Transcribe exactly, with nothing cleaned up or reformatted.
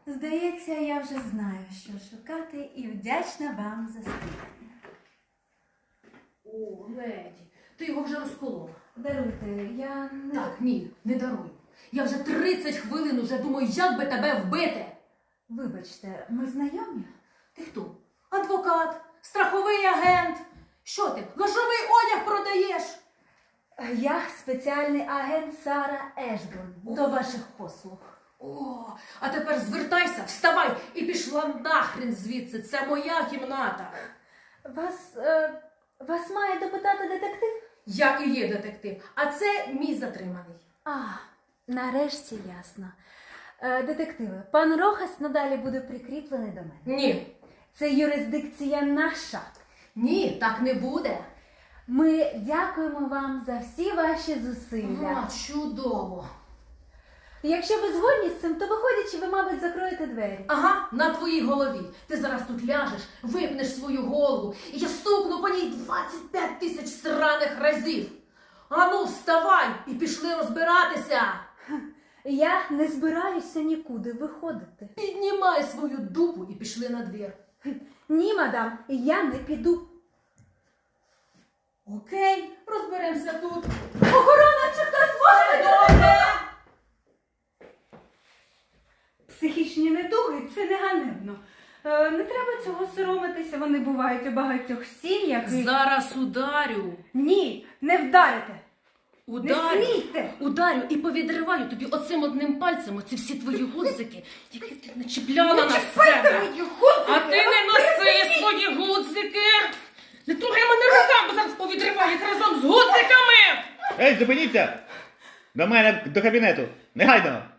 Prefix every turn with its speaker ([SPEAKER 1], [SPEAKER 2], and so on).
[SPEAKER 1] Здається, я вже знаю, що шукати, і вдячна вам за спитання.
[SPEAKER 2] О, леді, ти його вже розколола.
[SPEAKER 1] Даруйте, я не...
[SPEAKER 2] Так, ні, не даруй. Я вже тридцять хвилин уже думаю, як би тебе вбити.
[SPEAKER 1] Вибачте, ми знайомі?
[SPEAKER 2] Ти хто? Адвокат? Страховий агент? Що ти, грошовий одяг продаєш?
[SPEAKER 1] Я спеціальний агент Сара Ешборн. До ваших послуг.
[SPEAKER 2] О, а тепер звертайся, вставай і пішла нахрен звідси. Це моя кімната.
[SPEAKER 1] Вас, е, вас має допитати детектив?
[SPEAKER 2] Я і є детектив, а це мій затриманий.
[SPEAKER 1] А, нарешті ясно. Е, детективи, пан Рохас надалі буде прикріплений до мене.
[SPEAKER 2] Ні,
[SPEAKER 1] Це юрисдикція наша.
[SPEAKER 2] ні, так не буде.
[SPEAKER 1] Ми дякуємо вам за всі ваші зусилля.
[SPEAKER 2] А, чудово.
[SPEAKER 1] Якщо ви згодні з цим, то виходячи, ви, мабуть, закроєте двері.
[SPEAKER 2] Ага, на твоїй голові. Ти зараз тут ляжеш, випнеш свою голову, і я стукну по ній двадцять п'ять тисяч сраних разів. Ану, вставай і пішли розбиратися.
[SPEAKER 1] Я не збираюся нікуди виходити.
[SPEAKER 2] Піднімай свою дупу і пішли на двір.
[SPEAKER 1] Ні, мадам, я не піду.
[SPEAKER 2] Окей, розберемося тут.
[SPEAKER 1] Охорона, чи хтось може?
[SPEAKER 2] Добре.
[SPEAKER 1] Психічні недуги – це не ганебно. Е, не треба цього соромитися, вони бувають у багатьох сім'ях. і-
[SPEAKER 2] Зараз ударю.
[SPEAKER 1] Ні, не вдарите. Не
[SPEAKER 2] Ударю.
[SPEAKER 1] смійте.
[SPEAKER 2] Ударю і повідриваю тобі оцим одним пальцем оці всі твої гудзики, які ти начіпляла на себе.
[SPEAKER 1] мої гудзики.
[SPEAKER 2] А ти не носи свої гудзики. Не трогай мене руками, бо зараз повідриваю їх разом з гудзиками.
[SPEAKER 3] Ей, зупиніться! До мене, до кабінету! Негайно!